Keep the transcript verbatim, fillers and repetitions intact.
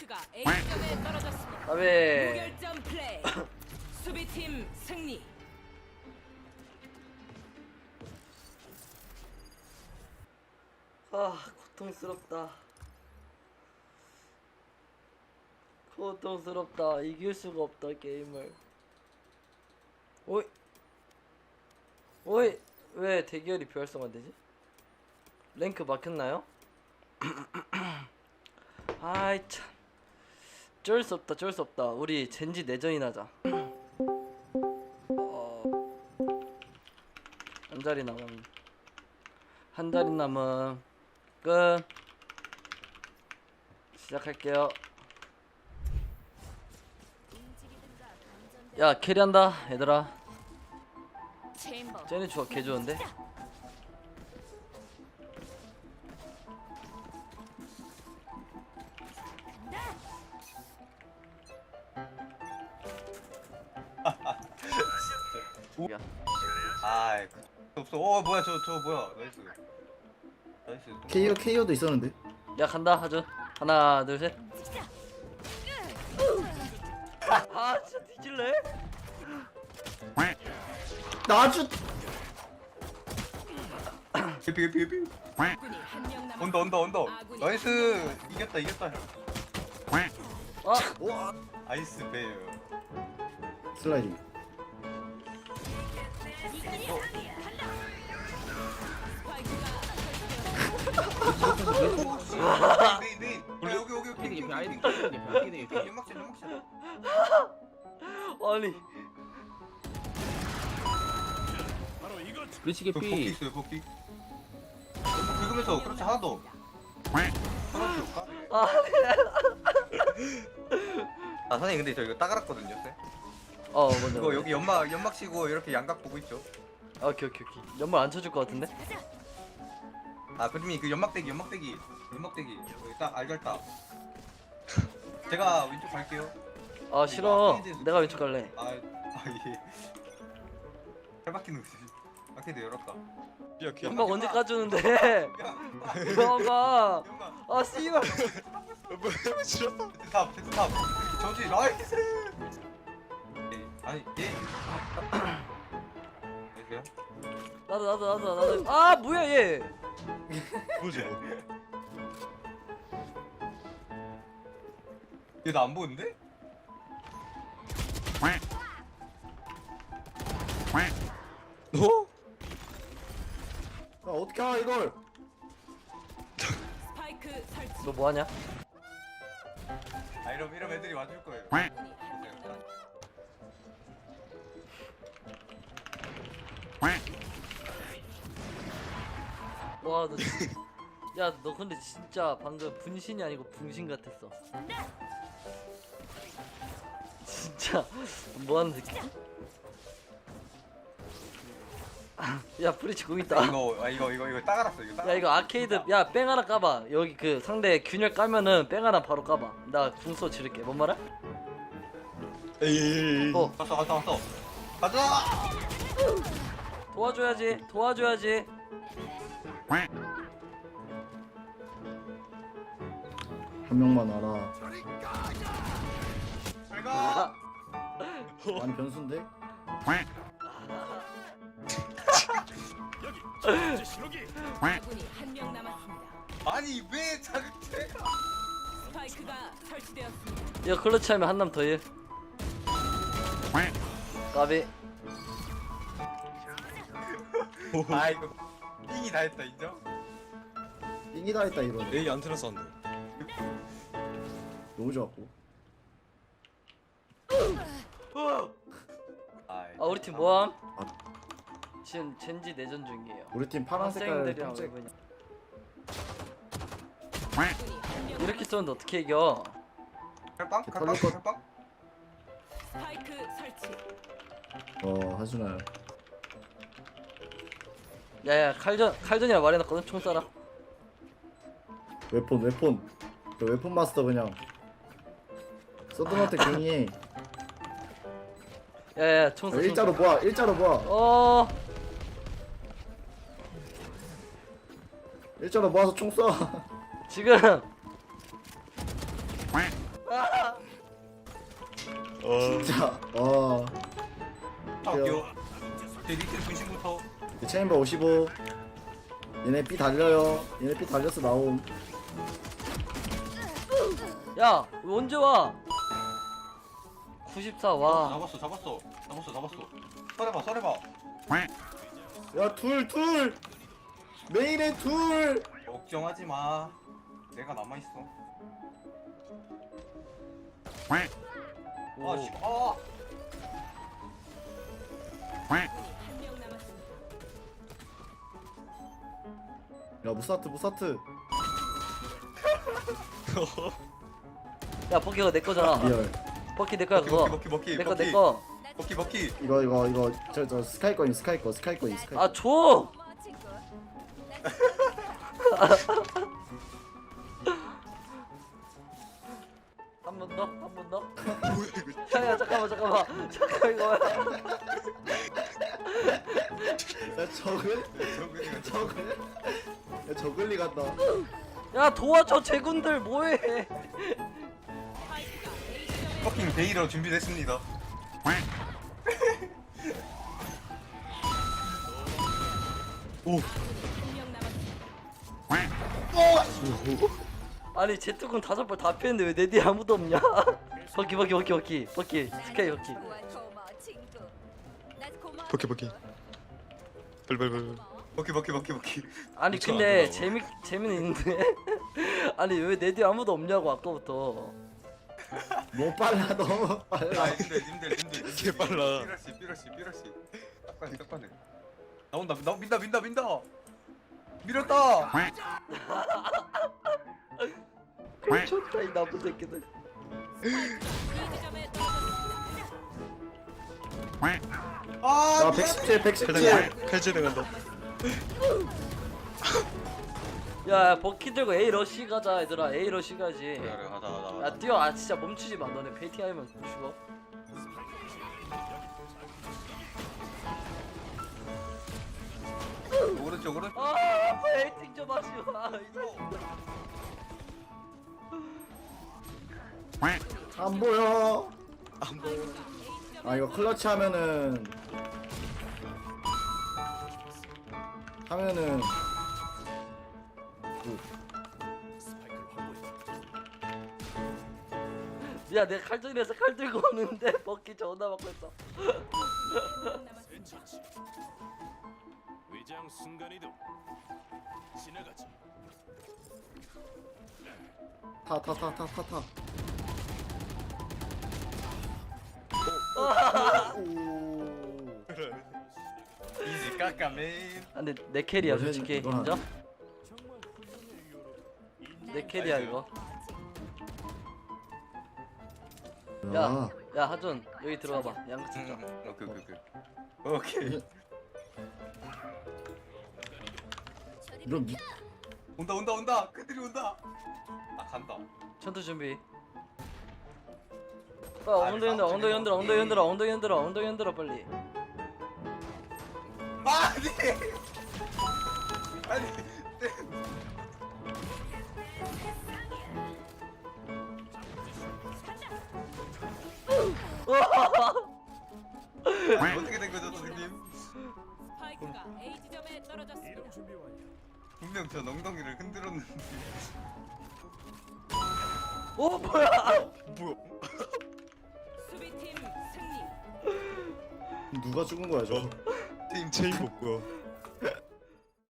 스파이크가 A점에 떨어졌습니다. 아베. 무결점 플레이. 수비팀 승리. 아 고통스럽다. 고통스럽다. 이길 수가 없다 게임을. 오이. 오이. 왜 대결이 비활성화되지? 랭크 막혔나요? 아이 참. 어쩔 수 없다. 어쩔 수 없다. 우리 젠지 내전이나 하자. 어... 한 자리 남은. 한 자리 남은. 끝. 시작할게요. 야 캐리한다 얘들아. 쟤네 좋아 개 좋은데. 야. 아이 없어. 어 뭐야 저 저 뭐야 나이스 나이스. 케이오 케이오도 있었는데. 야 간다 하죠. 하나 둘 셋. 아 진짜 뒤질래? 나주. 개피 개피 개피. 군이 한명 남았. 온다 온다 온다. 나이스 이겼다 이겼다. 아 와. 아이스 베어. 슬라이딩. 네네 네. 원래 여기 여기 여기 여기 아이디 여기 연막샷 연막샷. 아니 그렇지 그 복귀 개피. 있어요 복귀. 긁으면서 그렇지 하나 더. 하나 더 줄까? 아 아 선생님 근데 저 이거 따갈았거든요. 쌤. 어 먼저 이거 여기 연막 연막 치고 이렇게 양각 보고 있죠. 아, 오케이 오케이 오케이 연말 안 쳐줄 것 같은데? 아 그림이 그 연막대기 연막대기 연막대기 여기 딱 알갈다. 제가 왼쪽 갈게요. 아 싫어 내가 왼쪽 갈래. 아, 아 예. 팔 바퀴는 바퀴도 열었다. 연막 언제 까주는데? 연막아 연막. 아 씨발 탑, 탑. 저지 나이스. 예, 아니 예. 안녕하세요. 나도 나도 나도 나도 아 뭐야 얘. 뭐지? 얘 나 안 보는데? 너? 아 어떻게 하 이걸? 스파이크 설치. 너 뭐하냐? 아 이러면 이러면 애들이 와줄 거예요. 군이 한명 남았. 와너 야 너 근데 진짜 방금 분신이 아니고 붕신 같았어. 진짜 뭐하는 새끼? 야 브리치 공 있다. 이거 아 이거 이거 이거 따갈았어 이거. 야 이거 아케이드 야 뺑 하나 까봐. 여기 그 상대 균열 까면은 뺑 하나 바로 까봐. 나 궁소 지를게. 뭔 말이야? 에이. 어 갔어 갔어 갔어. 가자. 도와줘야지 도와줘야지. 한 명만 알아. 잘 가. 많이 변수인데? 군이 한명 남았습니다. 아니 왜 자극제가? 스파이크가 설치되었습니다. 야 클러치 하면 한남 더 해. 까비. 아 이거 띵이 다 했다 인정? 띵이다 했다 이러네. 에이 안테나 쌌는데. 너무 좋았고. 아이, 아 우리 팀 뭐함? 아. 지금 젠지 내전 중이에요. 우리 팀 파란 색깔 학생들이랑 깜짝. 왜 그냥 군이 한명 이렇게 쏘는데 어떻게 이겨? 칼빵? 털릴 칼빵? 것- 칼빵? 스파이크 설치. 어 하준아요. 야야 칼전 칼전이라 말해놨거든. 총 쏴라. 웨폰 웨폰. 그 웨폰 마스터 그냥. 서든한테 괜히. 야야 총 쏴. 총 쏴. 일자로 모아 일자로 모아. 어. 일자로 모아서 총 쏴. 지금 어. 자, 와. 아 귀여워. 제 리틀 분신부터. 체인버 오십오. 얘네 B 달려요. 얘네 B 달려서 나옴. 야 왜 언제 와? 구십사 와. 잡았어 잡았어 잡았어 잡았어. 썰해봐 썰해봐. 야, 둘, 둘. 메인에 둘. 걱정하지 마. 내가 남아 있어. 오. 아 씨. 아. 한명 남았습니다. 야, 무사트, 무사트. 야 버키 그거 내 거잖아. 리얼. 버키 내 거야 먹기 그거. 먹기 먹기 내 거 먹기. 내 거. 먹기 먹기. 이거, 이거, 이거. 저, 저 스카이 거인, 스카이 거, 스카이 거인, 스카이. 아 줘. 한 번 더, 한 번 더. 뭐야 이거. 야야 잠깐만 잠깐만 잠깐 이거. 야, 저글? 저거 저글? 야, 저글리 간다. 야 도와줘 제군들 뭐해? 스파이크가 A 지점에 퍼킹 베이러 준비됐습니다. 오. 한명 남았습니다. 아니 제트군 다섯 발 다 피했는데 왜 내 뒤에 아무도 없냐? 버키 버키 버키 버키 버키 스카이 버키. 버키 버키. 벌벌벌. 먹기 먹기 먹기 먹기. 아니 그쵸, 안 근데 되나, 재미 재미는 있는데 아니 왜 내 뒤에 아무도 없냐고 아까부터. 너무 빨라, 너무 아 빨라. 님들 님들 님들. 개 빨라. 삐러시 삐러시 삐러시. 딱관해 딱관해. 나온다 나 민다 민다 민다. 밀었다. 좋다 이 나쁜 새끼들. B 지점에 떨어졌습니다. 아. 야, 백십칠, 백십칠. 칼 칼질 나간다. 야, 야 버키 들고 A 러시 가자 얘들아. A 러시 가지. 그래 그래 가자 가자. 야 가자. 뛰어. 아 진짜 멈추지 마. 너네 페이팅 하면 죽어. 오른쪽 오른쪽. 아 페이팅 좀 하지 마. 안 보여. 안 보여. 아, 이거 클러치 하면은. 하면은. 야 내가 칼전이라서 칼 들고 오는데 버키 전화 받고 있어. 한명 남았습니다. 위장 순간이동 지나가지. 타, 타, 타, 타, 타, 타. 오. 이지 까까맨. 아, 근데 내 캐리야 이거는- 솔직히 이건 인정? 내 캐리야 이거. 야, 야, 야 하준 여기 들어와봐. 양크 찍자. 응, 오케이 오케이 오케이. 오케이. 이런 미... 온다 온다 온다. 그들이 온다. 아 간다. 전투 준비. 아, 엉덩이 흔들어, 엉덩이 흔들어, 엉덩이 흔들어, 엉덩이 흔들어, 엉덩이 흔들어 빨리. 아니. 아니. 아니, 어떻게 된 거죠 선생님? 스파이크가 A 지점에 떨어졌습니다. 분명 저 엉덩이를 흔들었는데. 오 뭐야? 뭐야? 수비팀 승리. 누가 죽은 거야, 저? 팀 체인버 뭐야?